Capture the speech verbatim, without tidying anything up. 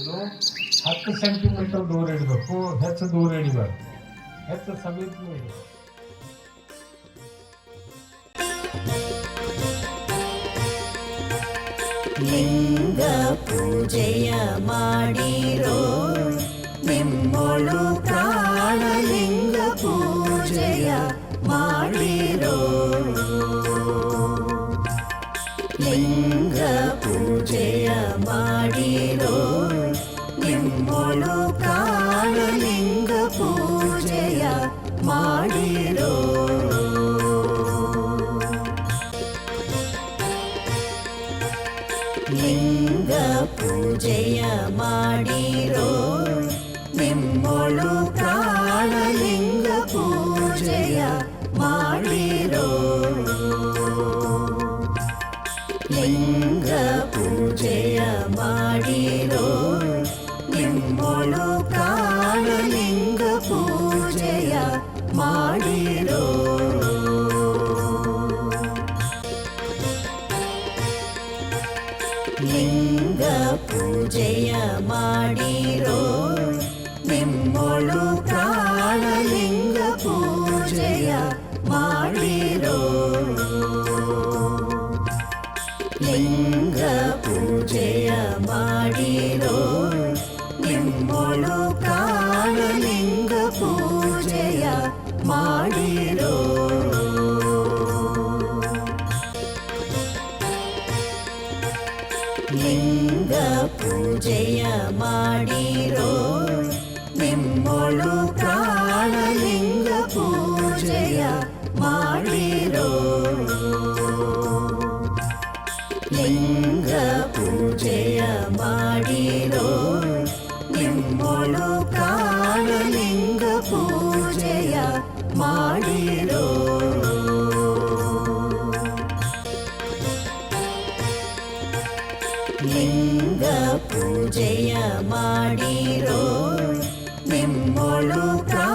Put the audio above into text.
ಇಟ್ಟು ಹತ್ತು ಸೆಂಟಿಮೀಟರ್ ದೂರ ಇಡಬೇಕು, ಹೆಚ್ಚು ದೂರ ಇಡಬೇಕು, ಹೆಚ್ಚು ಸಮೀಪ ಇಡಬೇಕು. ಲಿಂಗ ಪೂಜೆಯ ಮಾಡಿರೋ ನಿಮ್ಮೊಳು ಪ್ರಾಣಲಿಂಗ ಪೂಜೆಯ ಮಾಡಿರೋ. ಲಿಂಗ ಪೂಜೆಯ ಮಾಡಿರೋ ನಿಮ್ಮೊಳು ಪ್ರಾಣಲಿಂಗ ಪೂಜೆಯ ಮಾಡಿರೋ. ಲಿಂಗ ಪೂಜೆಯ ಮಾಡಿರೋ ನಿಮ್ಮೊಳು ಪ್ರಾಣಲಿಂಗ ಪೂಜೆಯ ಮಾಡಿರೋ. ಲಿಂಗ ಪೂಜೆಯ ಮಾಡಿರೋ ನಿಮ್ಮೊಳು ಪ್ರಾಣಲಿಂಗ ಪೂಜೆಯ ಮಾಡಿರೋ. ಲಿಂಗ ಪೂಜೆಯ ಮಾಡಿರೋ ನಿಮ್ಮೊಳು ಪ್ರಾಣಲಿಂಗ ಪೂಜೆಯ ಮಾಡಿರೋ. ಲಿಂಗ ಪೂಜೆಯ ಮಾಡಿರೋ ನಿಮ್ಮೊಳು ಪ್ರಾಣಲಿಂಗ ಪೂಜೆಯ ಮಾಡಿರೋ. ಲಿಂಗ ಪೂಜೆಯ ಮಾಡಿರೋ ನಿಮ್ಮೊಳು ಪ್ರಾಣಲಿಂಗ ಪೂಜೆಯ ಮಾಡಿರೋ. ಲಿಂಗ ಪೂಜೆಯ ಮಾಡಿರೋ ನಿಮ್ಮೊಳು ಪ್ರಾಣಲಿಂಗ ಪೂಜೆಯ ಮಾಡಿರೋ. ಲಿಂಗ ಪೂಜೆಯ ಮಾಡಿರೋ ನಿಮ್ಮೊಳು